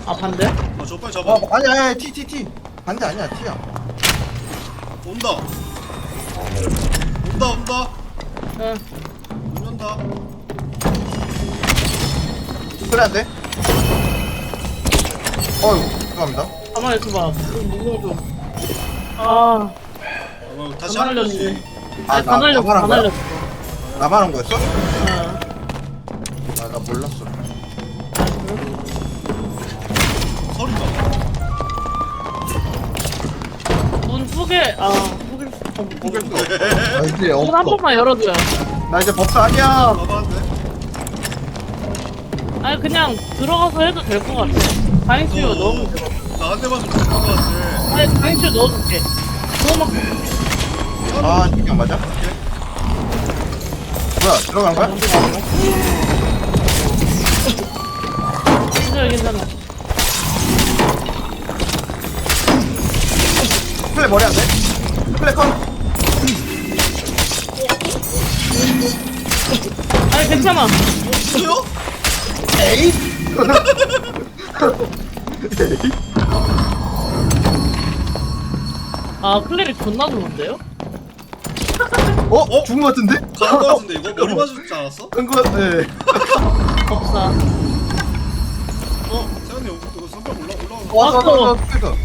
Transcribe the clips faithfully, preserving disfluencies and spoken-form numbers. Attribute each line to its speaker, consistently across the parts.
Speaker 1: 아 반대?
Speaker 2: 아저 빨리 잡아.
Speaker 3: 어 아니야 아니야 T T T 반대 아니야 T야.
Speaker 2: 온다. 온다 온다.
Speaker 1: 응.
Speaker 2: 문 연다.
Speaker 3: 그래 안 돼? 어이구 죄송합니다.
Speaker 1: 가만히 있어봐. 좀 무거워 좀. 아,
Speaker 2: 어, 다시
Speaker 1: 다
Speaker 2: 하는
Speaker 1: 날렸네.
Speaker 2: 거지.
Speaker 1: 아니
Speaker 3: 나-
Speaker 1: 다 날렸어,
Speaker 3: 나만
Speaker 1: 다
Speaker 3: 한 거야?
Speaker 1: 날렸어.
Speaker 3: 나만 한 거였어?
Speaker 1: 응.
Speaker 3: 아 나 몰랐어.
Speaker 2: 서리다.
Speaker 1: 문 소개, 아, 소개, 어, 소개.
Speaker 3: 아 이제
Speaker 1: 문 한
Speaker 3: 없어.
Speaker 1: 번만 열어줘요.
Speaker 3: 나 이제 법사 아니야.
Speaker 2: 가봤는데.
Speaker 1: 아니 그냥 들어가서 해도 될 것 같아. 다행치료 너무 들어.
Speaker 2: 나한 대만 좀 죽을 것 같아.
Speaker 1: 아니 다행치료 넣어줄게. 그거 막
Speaker 3: 아 그냥 맞아? 뭐야 들어간 거야?
Speaker 1: 괜찮아 괜찮아.
Speaker 3: 플레 머리 안 돼? 플레 컷.
Speaker 1: 아니 괜찮아.
Speaker 2: 뭐요?
Speaker 3: 에이?
Speaker 1: 아 클레릭 존나 좋은데요?
Speaker 3: 어? 어? 죽은 거 같은데?
Speaker 2: 가는 거 같은데 이거 머리 맞지 않았어?
Speaker 3: 끈거 같.. 네.
Speaker 1: 법사. 어?
Speaker 2: 세현이 이거 이거 선별 올라 올라오는 거.
Speaker 3: 왔어
Speaker 1: 왔어.
Speaker 3: 왔어 왔어 그니까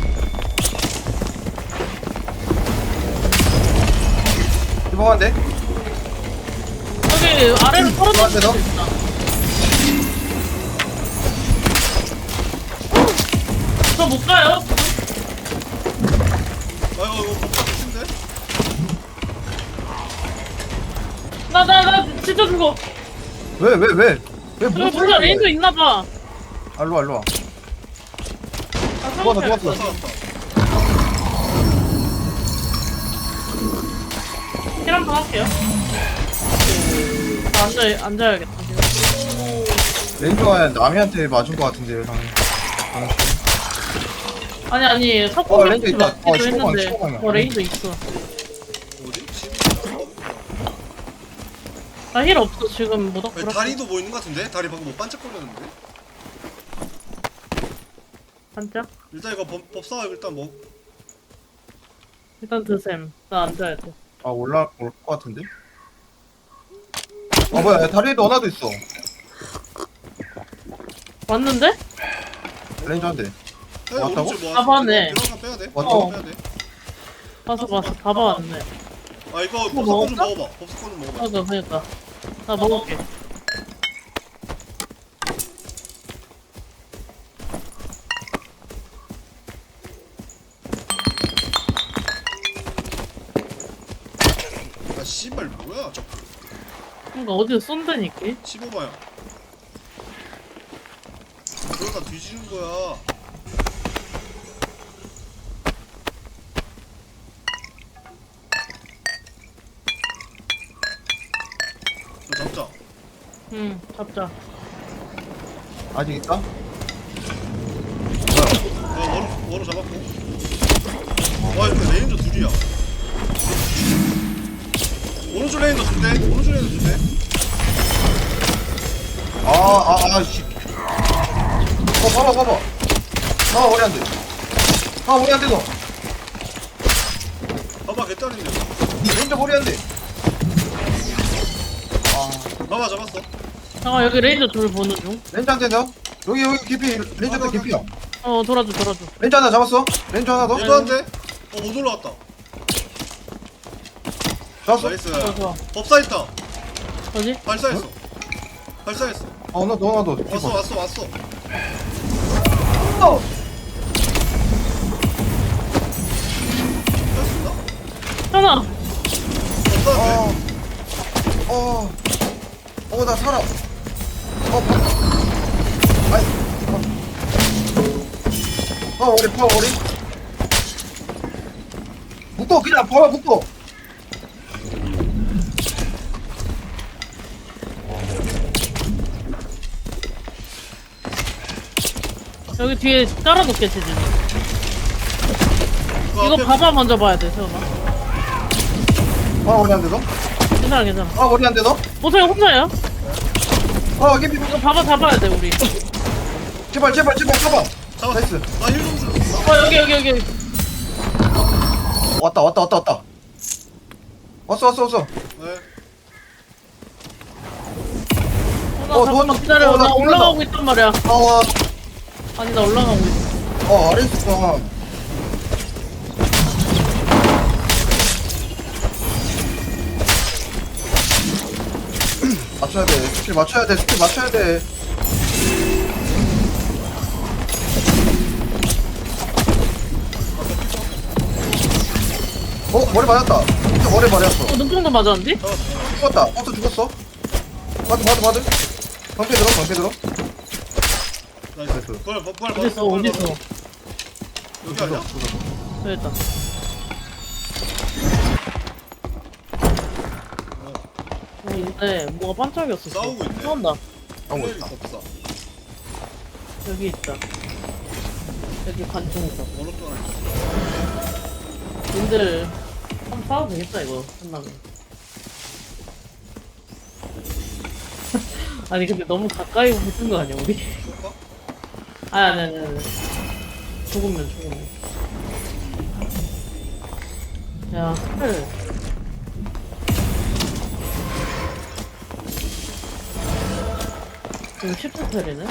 Speaker 3: 이거 한데?
Speaker 1: 여기 아래로 털어줄
Speaker 3: 너한테 너?
Speaker 1: 수 있다. 저 못 가요?
Speaker 2: 아 이거 이거 복사 조심돼.
Speaker 1: 나 나 나 진짜 죽어.
Speaker 3: 왜 왜 왜? 왜
Speaker 1: 여기
Speaker 3: 무슨
Speaker 1: 뭔가 레인저 있나봐.
Speaker 3: 아 일로와 일로와
Speaker 1: 아,
Speaker 3: 죽었어,
Speaker 1: 상관없어.
Speaker 3: 죽었어.
Speaker 2: 살았다.
Speaker 1: 힐 한번 할게요. 아, 앉아, 앉아야겠다.
Speaker 3: 렌즈가 남이한테 맞은 거 같은데요 당연히.
Speaker 1: 아니, 아니,
Speaker 3: 어,
Speaker 1: 석공
Speaker 3: 레인저
Speaker 1: 렌즈
Speaker 3: 있다.
Speaker 1: 맞기도
Speaker 3: 어, 십오 방,
Speaker 1: 했는데.
Speaker 3: 십오 방이야.
Speaker 1: 어, 레인저 있어.
Speaker 2: 어디?
Speaker 1: 나 힐 없어, 지금
Speaker 2: 아니,
Speaker 1: 모닥불.
Speaker 2: 다리도 보이는 것 같은데? 다리 방금 뭐 반짝거렸는데?
Speaker 1: 반짝?
Speaker 2: 일단 이거 법, 법사 일단 뭐
Speaker 1: 일단 드셈. 나 앉아야 돼.
Speaker 3: 아 올라 올 거 같은데? 아 뭐야 다리에도 하나도 있어.
Speaker 1: 왔는데?
Speaker 3: 렌즈 한 대.
Speaker 2: 세현이
Speaker 3: 왔다고?
Speaker 2: 오른쪽 뭐
Speaker 1: 아, 맞네.
Speaker 2: 이런 거 빼야 돼.
Speaker 3: 왔다고?
Speaker 2: 빼야 돼.
Speaker 1: 봤어, 봤어. 다 봐왔네.
Speaker 2: 아 이거
Speaker 1: 뭐
Speaker 2: 법사 좀
Speaker 1: 먹을까?
Speaker 2: 먹어봐. 법사 좀 먹어봐.
Speaker 1: 맞아, 그니까. 나 먹을게.
Speaker 2: 아 씨발 뭐야 저
Speaker 1: 그니까 어디서 쏜다니까?
Speaker 2: 십오 방향. 그러다 뒤지는 거야. 저 잡자.
Speaker 1: 응, 잡자.
Speaker 3: 아직 있다?
Speaker 2: 아 원우 원우 잡았고. 와 이거 레인저 둘이야. 오른쪽 레인저 두 대. 오른쪽 레인저 두 대.
Speaker 3: 아아아씨 어 봐봐 봐봐 아 머리 안돼 아 머리 안돼 너
Speaker 2: 봐봐 개딸인데.
Speaker 3: 렌즈 머리 안돼
Speaker 2: 봐봐 잡았어.
Speaker 1: 잠깐, 여기 레인저 둘 보는 중.
Speaker 3: 렌즈 한대 더 여기 여기 깊이 렌즈 한대 깊이야
Speaker 1: 어, 돌아줘, 돌아줘.
Speaker 3: 렌즈 하나 잡았어 렌즈 하나 더
Speaker 2: 얘도 한 대. 어못 올라왔다.
Speaker 3: 잡았어
Speaker 2: 나이스.
Speaker 1: 좋아, 좋아.
Speaker 2: 법사 있다.
Speaker 1: 어디?
Speaker 2: 발사했어. 발사했어.
Speaker 3: 어 너 너 하나 더
Speaker 2: 왔어 왔어 왔어.
Speaker 3: 어.
Speaker 2: 할 수 있나?
Speaker 1: 현아!
Speaker 2: 법사한테.
Speaker 3: 어, 어, 나 살아. 어, 뭐. 아이, 어. 파워리, 파워리. 묶어, 그냥 파워 묶어.
Speaker 1: 여기 뒤에 깔아놓게, 지금.
Speaker 2: 이거
Speaker 1: 이거
Speaker 2: 앞에
Speaker 1: 봐봐 먼저 봐야 돼, 세훈아.
Speaker 3: 아, 머리 안 돼, 너?
Speaker 1: 괜찮아, 괜찮아.
Speaker 3: 아, 머리 안 돼, 너?
Speaker 1: 보성이 혼자야?
Speaker 3: 아, 여기,
Speaker 1: 이거 봐봐, 잡아야 돼, 우리.
Speaker 3: 제발, 제발, 제발, 잡아.
Speaker 2: 잡았어.
Speaker 3: 나이스.
Speaker 2: 나힐좀 줘.
Speaker 1: 어 여기 여기 여기.
Speaker 3: 왔다 왔다 왔다 왔다. 왔어 왔어 왔어.
Speaker 2: 네.
Speaker 1: 나
Speaker 3: 어,
Speaker 1: 잠깐만
Speaker 3: 도와줘.
Speaker 1: 기다려.
Speaker 3: 어, 나
Speaker 1: 나
Speaker 3: 죽는다.
Speaker 1: 올라가고 있단 말이야.
Speaker 3: 아와.
Speaker 1: 아니 나 올라가고 있어.
Speaker 3: 어 아래 있었구나. 맞춰야 돼. 스킬 맞춰야 돼. 스킬 맞춰야 돼. 어 머리 맞았다. 진짜 머리 맞았어.
Speaker 1: 어 눈동도 맞았는데?
Speaker 3: 죽었다. 버스 죽었어. 바드 바드 바드. 방패 들어 방패 들어.
Speaker 2: 나이스. 부활 부활 부활.
Speaker 1: 어딨어
Speaker 2: 부활,
Speaker 1: 어딨어?
Speaker 2: 부활. 여기 아니야?
Speaker 1: 됐다. 어 근데 뭐가 반짝이었어.
Speaker 2: 싸우고 있네.
Speaker 1: 싸운다.
Speaker 3: 싸우고
Speaker 2: 힐
Speaker 3: 있다.
Speaker 2: 없어.
Speaker 1: 여기 있다. 여기 관중 있어.
Speaker 2: 오른쪽 하나 있어.
Speaker 1: 님들 한번 싸워도 되겠다 이거 끝나면. 아니 근데 너무 가까이 붙은 거 아니야 우리?
Speaker 2: 쏠까?
Speaker 1: 아니 아니 아니 아니. 죽으면 죽으면. 야 스펠. 지금 십 스펠이네?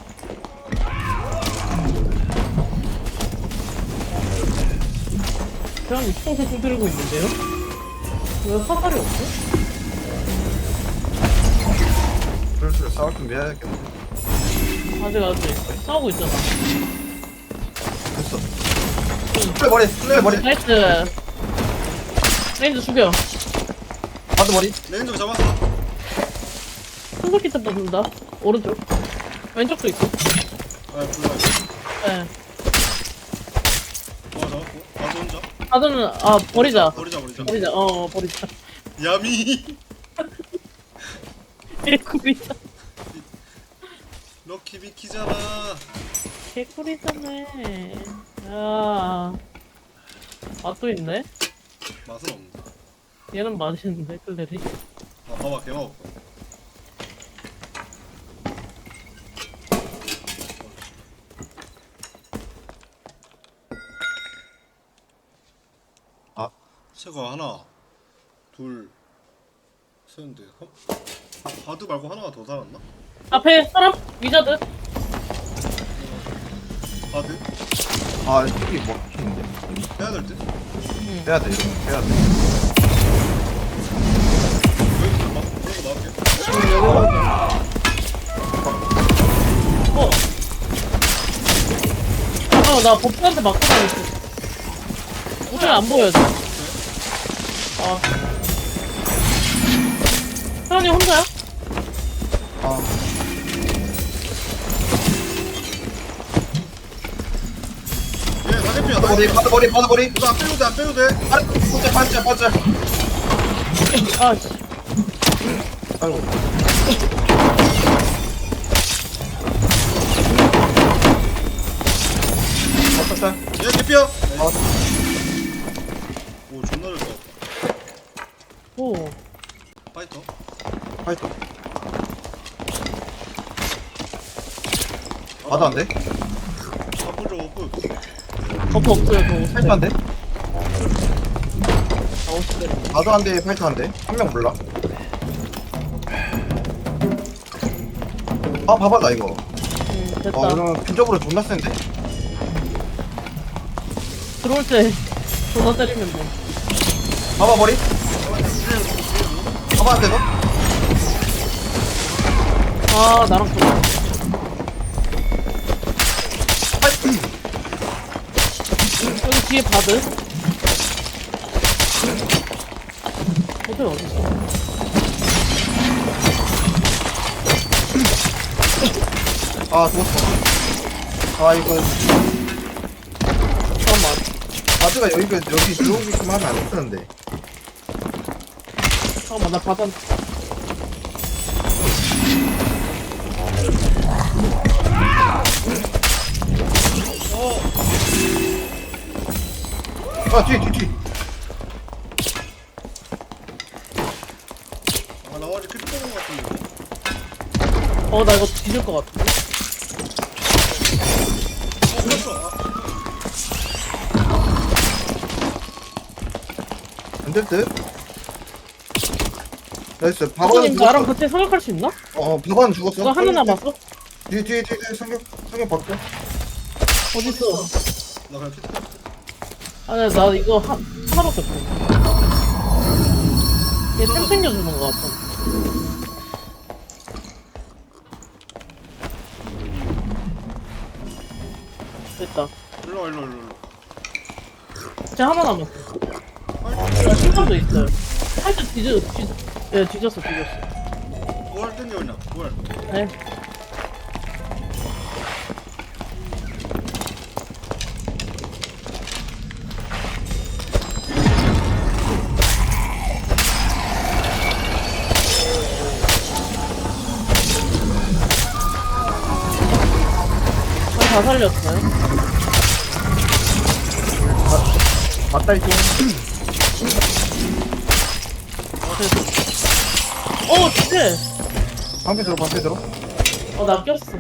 Speaker 1: 그냥 이총세총 들고 있는데요? 왜 화살이 없어?
Speaker 3: 슬슬 싸울 준비 해야겠네.
Speaker 1: 아직 아직 싸우고 있잖아.
Speaker 3: 됐어. 플레 머리 플레 머리.
Speaker 1: 나이스. 레인저 죽여.
Speaker 3: 바드 머리.
Speaker 2: 레인저 잡았어.
Speaker 1: 한글키 때 뽑는다. 오른쪽. 왼쪽도 있고.
Speaker 2: 아 불러.
Speaker 1: 예.
Speaker 2: 어 잡았고. 가서 혼자.
Speaker 1: 다들은 아 버리자.
Speaker 2: 버리자 버리자.
Speaker 1: 버리자. 어 버리자.
Speaker 2: 야미.
Speaker 1: 개꿀이다.
Speaker 2: 럭키 비키잖아.
Speaker 1: 개꿀이잖아. 야. 맛도 있네.
Speaker 2: 맛은 없는데.
Speaker 1: 얘는 맛있는데 클레리.
Speaker 2: 아 봐봐 개맛 없어.
Speaker 3: 아.
Speaker 2: 새거 하나, 둘, 셋인데. 어? 바드 말고 하나가 더 살았나?
Speaker 1: 앞에 사람 위자드.
Speaker 2: 바드?
Speaker 3: 아 저기 뭐 막히는데.
Speaker 2: 해야 될 듯?
Speaker 1: 응.
Speaker 3: 해야 돼 이거 해야 돼.
Speaker 2: 여기 좀 막, 그런 거 나올게.
Speaker 1: 어. 잠깐만 나 법사한테 맞고 다녔어. 어떻게 안 보여져? 아. 사람이 혼자야?
Speaker 3: 아
Speaker 2: 얘 나대피야
Speaker 3: 바드 머리 바드 머리 바드 머리.
Speaker 2: 이거 안 빼도 돼, 안 빼도 돼.
Speaker 3: 아래 반짝 반짝 반짝.
Speaker 1: 아 씨.
Speaker 3: 아이고. 반짝.
Speaker 2: 얘 개피야.
Speaker 3: 아
Speaker 2: 오 존나 잘 싸웠다.
Speaker 1: 오.
Speaker 2: 파이터.
Speaker 3: 파이터. 바드 안 돼?
Speaker 2: 바쁜 적 없고.
Speaker 1: 버프 없어요 저
Speaker 3: 파이터 안 돼?
Speaker 1: 아 오십 대.
Speaker 3: 바드 안 돼, 파이터 안 돼. 한 명 몰라. 아 봐봐 나 이거.
Speaker 1: 응 됐다.
Speaker 3: 어 그러면 근접으로 존나 센데?
Speaker 1: 들어올 때 전화 때리면 돼.
Speaker 3: 봐봐 머리. 봐봐 안 돼서?
Speaker 1: 아 나랑 보자. 여기 뒤에 바드. 호텔 어딨어?
Speaker 3: 아 죽었어. 아 이거
Speaker 1: 잠깐만.
Speaker 3: 바드가 여기 여기 들어오게끔 하면 안 되는데.
Speaker 1: 잠깐만 나 바드.
Speaker 3: 아 뒤에 뒤에 뒤에.
Speaker 2: 아, 나 어제 크리퍼 본거 같은데.
Speaker 1: 어 나 이거 뒤질 것 같은데.
Speaker 3: 안 될 듯? 나이스. 바바는
Speaker 1: 박사님 나랑
Speaker 3: 죽었어.
Speaker 1: 같이 사격할 수 있나?
Speaker 3: 어, 바바는 죽었어.
Speaker 1: 이거 하나 남았어?
Speaker 3: 뒤에, 뒤에, 뒤에, 뒤에 성격, 성격 바꿔.
Speaker 1: 어딨어?
Speaker 2: 나 그냥 피트.
Speaker 1: 아니 나 이거 하, 하나밖에 없어. 얘템 챙겨주는 거 같아. 됐다.
Speaker 2: 일로 와 일로 와, 일로 와.
Speaker 1: 이제 하나 남았어. 아, 신발도 있어요. 살짝 뒤져, 뒤, 예, 뒤졌어, 뒤졌어.
Speaker 2: 뭘 땡겨 그냥. 뭘.
Speaker 1: 네. 다 살렸어요.
Speaker 3: 맞달지.
Speaker 1: 어, 진짜.
Speaker 3: 방패 들어, 방패 들어.
Speaker 1: 어, 나 꼈어.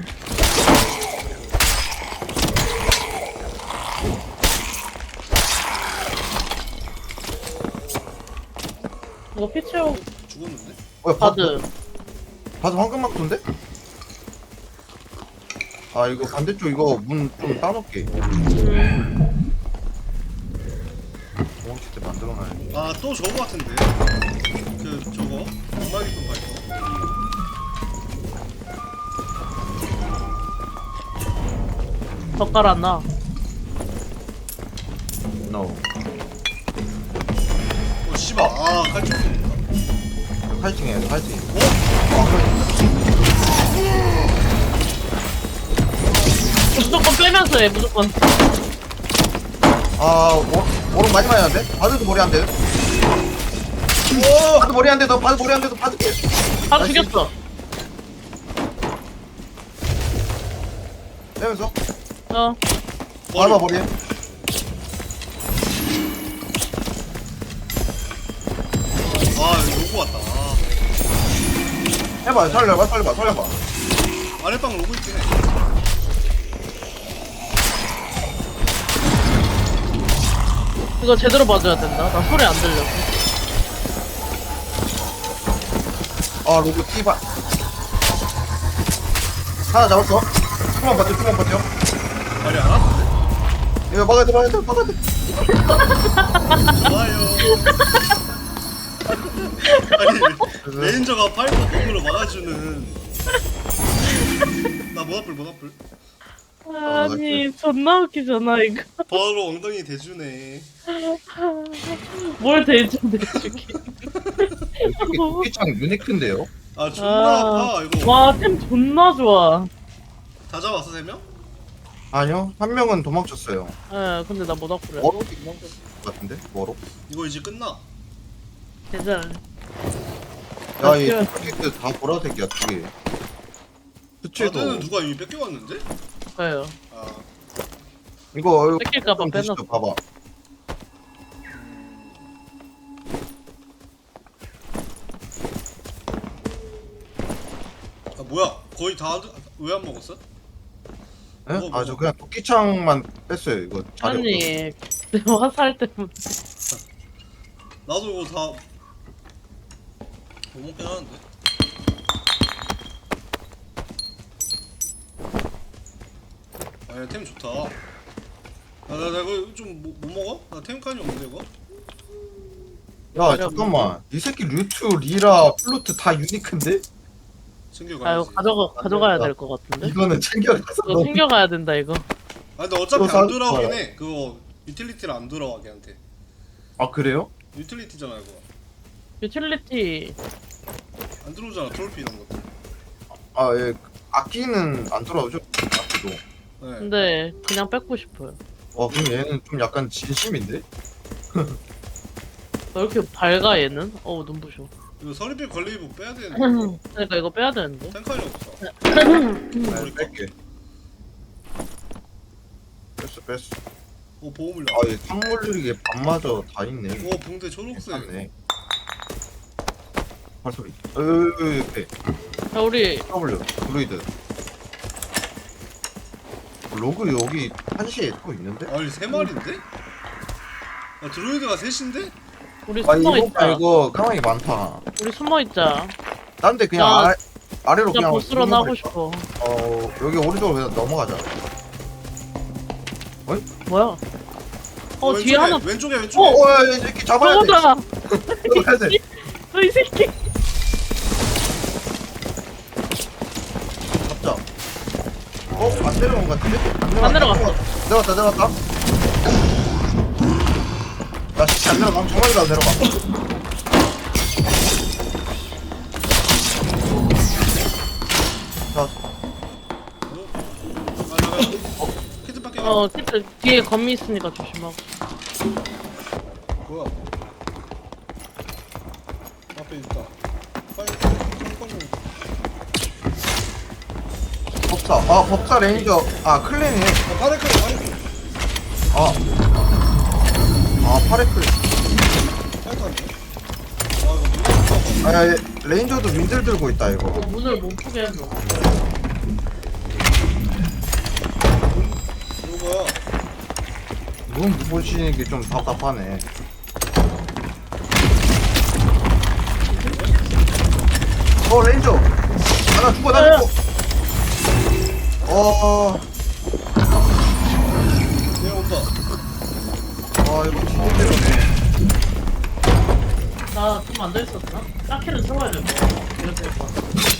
Speaker 1: 이거 피 채우고
Speaker 2: 죽었는데?
Speaker 3: 뭐야, 바,
Speaker 1: 바드.
Speaker 3: 바드 황금막도인데? 아, 이거 반대쪽 이거 문 좀 따놓게.
Speaker 1: 음,
Speaker 3: 도망칠 때 만들어놔야지.
Speaker 2: 아 또 저거 같은데. 그 저거. 엄마기돈 발표.
Speaker 1: 젓갈 안 나.
Speaker 3: No.
Speaker 2: 어 씨발. 아 칼집 쏜다.
Speaker 3: 파이팅해, 파이팅.
Speaker 2: 어?
Speaker 1: 무조건 빼면서 해, 무조건.
Speaker 3: 아, 워, 워록 많이 많이 하는데? 바드도 머리 안 돼.
Speaker 2: 오!
Speaker 3: 바드 머리 안 돼도, 바드 머리 안 돼도, 바드 깨.
Speaker 1: 바로 죽였어.
Speaker 3: 빼면서.
Speaker 1: 어.
Speaker 3: 바드 머리에.
Speaker 2: 아 로고 왔다. 아.
Speaker 3: 해봐, 살려봐, 살려봐, 살려봐.
Speaker 2: 아랫방 로고 있긴 해.
Speaker 1: 이거 제대로 봐줘야 된다. 나 소리 안 들려.
Speaker 3: 아, 로그 T바. 하나 잡았어. 조금만 버텨, 조금만 버텨.
Speaker 2: 말이 안 왔는데?
Speaker 3: 이거 막아야 돼, 막아야 돼, 막아야 돼.
Speaker 2: 좋아요. 아니 레인저가 파이터 폼으로 막아주는. 나 모나풀 모나풀.
Speaker 1: 아니, 존나 웃기잖아, 이거.
Speaker 2: 바로 엉덩이 대주네.
Speaker 1: 뭘 대주, 대주기.
Speaker 3: 이게 도끼창 유니크인데요?
Speaker 2: 아 존나 아파 이거.
Speaker 1: 와, 템 존나 좋아.
Speaker 2: 다 잡았어 세 명?
Speaker 3: 아니요, 한 명은 도망쳤어요.
Speaker 1: 예, 근데 나 모닥불이야.
Speaker 3: 워록 같은데? 워록?
Speaker 2: 이거 이제 끝나.
Speaker 1: 괜찮아.
Speaker 3: 야, 이
Speaker 1: 아,
Speaker 3: 토끼들 다 보라색이야, 두 개. 수치도.
Speaker 2: 다들은 누가 이미 뺏겨왔는데?
Speaker 1: 그래요.
Speaker 2: 아
Speaker 3: 이거, 이거
Speaker 1: 뺏길까봐
Speaker 3: 좀 드시죠,
Speaker 1: 빼놨어.
Speaker 3: 봐봐.
Speaker 2: 아 뭐야 거의 다 왜 안 먹었어?
Speaker 3: 예?
Speaker 2: 먹어, 먹어.
Speaker 3: 아, 저 그냥 도끼창만 뺐어요, 이거. 자리
Speaker 1: 아니, 화살 때문에.
Speaker 2: 나도 이거 다 못 먹긴 하는데. 아니 템 좋다. 아나 나 이거 좀 못 먹어? 나 템칸이 없는데 이거?
Speaker 3: 야, 잠깐만. 이 새끼 류트, 리라, 플루트 다 유니크인데?
Speaker 2: 챙겨가야지.
Speaker 1: 아, 이거 가져가, 가져가야 될 것 같은데?
Speaker 3: 이거는 챙겨가서
Speaker 1: 이거 챙겨가야 된다, 이거.
Speaker 2: 아 근데 어차피
Speaker 3: 이거
Speaker 2: 안
Speaker 3: 사-
Speaker 2: 돌아오긴
Speaker 3: 좋아요.
Speaker 2: 해. 그거 유틸리티를 안 돌아와 걔한테.
Speaker 3: 아, 그래요?
Speaker 2: 유틸리티잖아 이거.
Speaker 1: 유틸리티.
Speaker 2: 안 들어오잖아 트롤피 이런 것도.
Speaker 3: 아, 예. 악기는 안 돌아오죠? 악기도.
Speaker 2: 네.
Speaker 1: 근데, 그냥 뺏고 싶어요.
Speaker 3: 와, 그럼 얘는 좀 약간 진심인데?
Speaker 1: 왜 이렇게 밝아, 얘는? 어우, 눈부셔.
Speaker 2: 이거 서리필 관리복 빼야 되는데.
Speaker 1: 그러니까 이거 빼야 되는데.
Speaker 2: 탱칸이 없어.
Speaker 3: 아, 뺄게. 뺐어, 뺐어.
Speaker 2: 오 보호물
Speaker 3: 아, 얘 상물들이 밤마저 다 있네.
Speaker 2: 오 붕대 초록색.
Speaker 3: 괜찮네. 발소리. 으으으, 옆에.
Speaker 1: 자, 우리,
Speaker 3: W, 블루이드. 로그 여기 한시에 또 있는데?
Speaker 2: 아니 세 마리인데? 아 드로이드가 셋인데?
Speaker 1: 우리
Speaker 3: 아
Speaker 1: 숨어
Speaker 3: 이거
Speaker 1: 있자.
Speaker 3: 이거 가만히 많다.
Speaker 1: 우리 숨어 있자.
Speaker 3: 딴데 그냥
Speaker 1: 나-
Speaker 3: 아, 아래로
Speaker 1: 진짜
Speaker 3: 그냥
Speaker 1: 보스런
Speaker 3: 넘어가
Speaker 1: 하고
Speaker 3: 있다.
Speaker 1: 싶어.
Speaker 3: 어 여기 오른쪽으로 그냥 넘어가자.
Speaker 1: 뭐야? 어
Speaker 2: 왼쪽에,
Speaker 1: 뒤에 하나.
Speaker 2: 왼쪽에 왼쪽에.
Speaker 1: 어,
Speaker 3: 어이 새끼 잡아야 돼.
Speaker 1: 저거다.
Speaker 3: 잡아야 돼.
Speaker 1: 너이 새끼.
Speaker 3: 잡자. 어안 내려온 것 같은데?
Speaker 1: 안 내려갔어.
Speaker 3: 내려갔다 내려갔다. 나 진짜 안 내려가. 정말로 안 내려가. 자,
Speaker 2: 아 잠깐. 키트 밖에 가.
Speaker 1: 어 진짜 뒤에 거미 있으니까 조심하고.
Speaker 2: 뭐야? 앞에 있다. 빨리 빨리.
Speaker 3: 법사. 아 법사 레인저. 아 클랜이네.
Speaker 2: 아 파레클 파레클.
Speaker 3: 아. 아 파레클.
Speaker 2: 파이터인데? 아 이거 누가
Speaker 3: 아 야, 얘 레인저도 윈들 들고 있다 이거.
Speaker 1: 어, 문을 못 푸게 해줘.
Speaker 2: 누구야?
Speaker 3: 눈 보시는 게 좀 답답하네. 어 레인저. 아나 죽어 나 죽어. 어.
Speaker 2: 얘 온다.
Speaker 3: 아 이거 진짜네.
Speaker 1: 나좀 앉아있었나? 딱히를 세워야 될 거야. 이렇게 될 거야.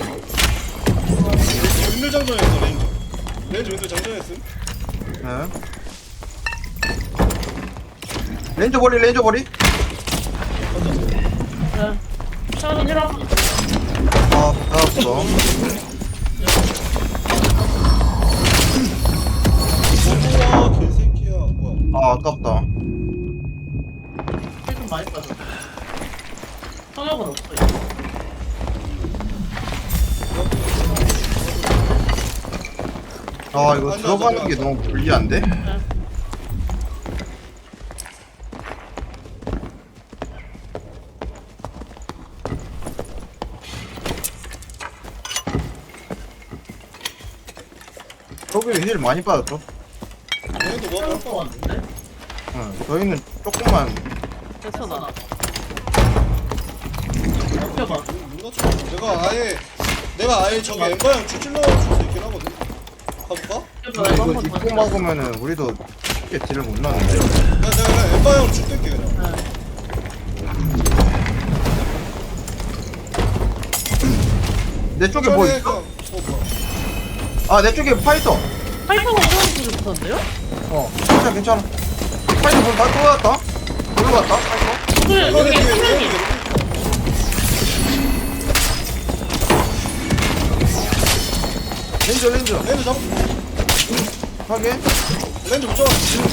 Speaker 2: 윈들 장전했어 레인저. 레인저 윈들 장전했음.
Speaker 3: 네. 레인저 버리 레인저 버리.
Speaker 1: 네. 차는 일어.
Speaker 3: 아 알았어.
Speaker 2: 우와 개새끼야. 뭐야?
Speaker 3: 아 아깝다.
Speaker 1: 좀 많이 빠져. 성역은 없어. 이제.
Speaker 3: 아 이거 들어가는 게 너무 불리한데?
Speaker 1: 네.
Speaker 3: 저기 힐 많이 빠졌죠?
Speaker 2: 얘도 뭐
Speaker 1: 성역
Speaker 2: 할
Speaker 1: 것
Speaker 2: 거
Speaker 1: 같은데?
Speaker 3: 응. 저희는 조금만.
Speaker 1: 됐어 나. 펴봐.
Speaker 2: 누가 쳐? 내가 아예 내가 아예 저기 엠바형 쭉 찔러줄 수 있긴 하거든. 가볼까?
Speaker 1: 펴봐.
Speaker 3: 근데
Speaker 1: 이거
Speaker 3: 이거
Speaker 1: 한번 더.
Speaker 3: 입고 막으면은 우리도 쉽게 딜을 못 넣는데.
Speaker 2: 내가 내가 그냥 엠바형 쭉 뺄게 그냥.
Speaker 1: 네.
Speaker 3: 내 쪽에 뭐
Speaker 2: 천천히
Speaker 3: 있어?
Speaker 2: 그냥- 어 뭐야?
Speaker 3: 아 내 쪽에 파이터.
Speaker 1: 파이터가 이런 소리 붙었는데요?
Speaker 3: 어 괜찮아 괜찮아. 파이터 뭐다 들어갔다? 들어갔다 파이터?
Speaker 1: 그래
Speaker 2: 이거
Speaker 1: 여기
Speaker 2: 내 뒤에
Speaker 1: 수명이.
Speaker 3: 렌저 렌저.
Speaker 2: 렌즈 잡.
Speaker 3: 확인.
Speaker 2: 렌즈 못 잡았어.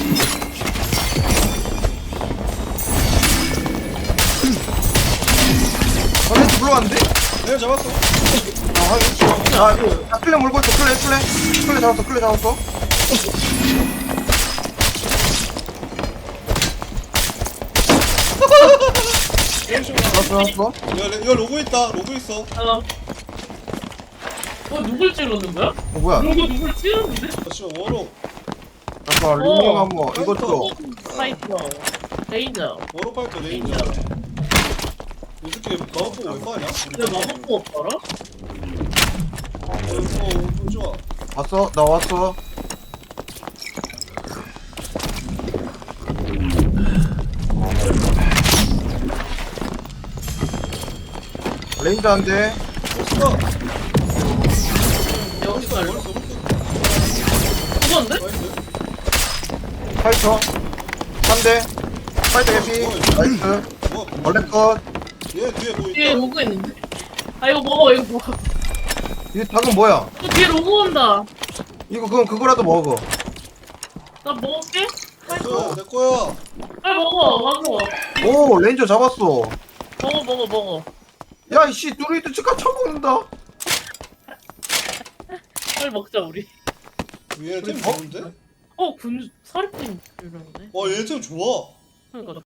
Speaker 3: 아 렌저 불러왔는데?
Speaker 2: 렌즈 잡았어.
Speaker 3: 아 확인. 아, 아 클레 몰고 있어 클레 클레. 클레 잡았어 클레 잡았어.
Speaker 2: 렌즈
Speaker 3: 잡았어 잡았어.
Speaker 2: 야, 레- 야 로고 있다. 로고 있어.
Speaker 1: 어. 어 누굴 찌르는 거야?
Speaker 3: 어 뭐야?
Speaker 1: 누구 누굴 찌르는데?
Speaker 2: 아, 씨 워로
Speaker 3: 잠깐 리밍 한번 이것도.
Speaker 1: 파이터. 레인저.
Speaker 2: 워로 파이터 레인저.
Speaker 1: 레인저.
Speaker 2: 이 새끼 마법 보고 왜 빠냐?
Speaker 1: 왜 마법도 없더라?
Speaker 2: 어, 어, 좋아.
Speaker 3: 왔어 나 왔어. 레인저 한 대.
Speaker 2: 보스가
Speaker 1: 여기서 알려.
Speaker 2: 머리 쏘고
Speaker 1: 그건데?
Speaker 2: 나이스.
Speaker 3: 파이터 한 대. 파이터 개피. 나이스.
Speaker 2: 뭐야?
Speaker 3: 원래 컷.
Speaker 2: 얘 뒤에 뭐
Speaker 1: 뒤에
Speaker 2: 있다.
Speaker 1: 로고 있는데? 아 이거 먹어 이거 먹어.
Speaker 3: 이 닭은 뭐야?
Speaker 1: 저 뒤에 로고 온다.
Speaker 3: 이거 그럼 그거라도 먹어.
Speaker 1: 나 먹을게.
Speaker 2: 내 거야, 내 거야.
Speaker 1: 빨리 먹어. 먹어.
Speaker 3: 오 레인저 잡았어.
Speaker 1: 먹어 먹어 먹어.
Speaker 3: 야 이씨 누리도 즉각 쳐먹는다.
Speaker 1: 빨리 먹자 우리.
Speaker 2: 얘 템 좋은데?
Speaker 1: 어 군 사립팀 이러는데.
Speaker 2: 와, 얘 템 좋아.
Speaker 1: 그러니까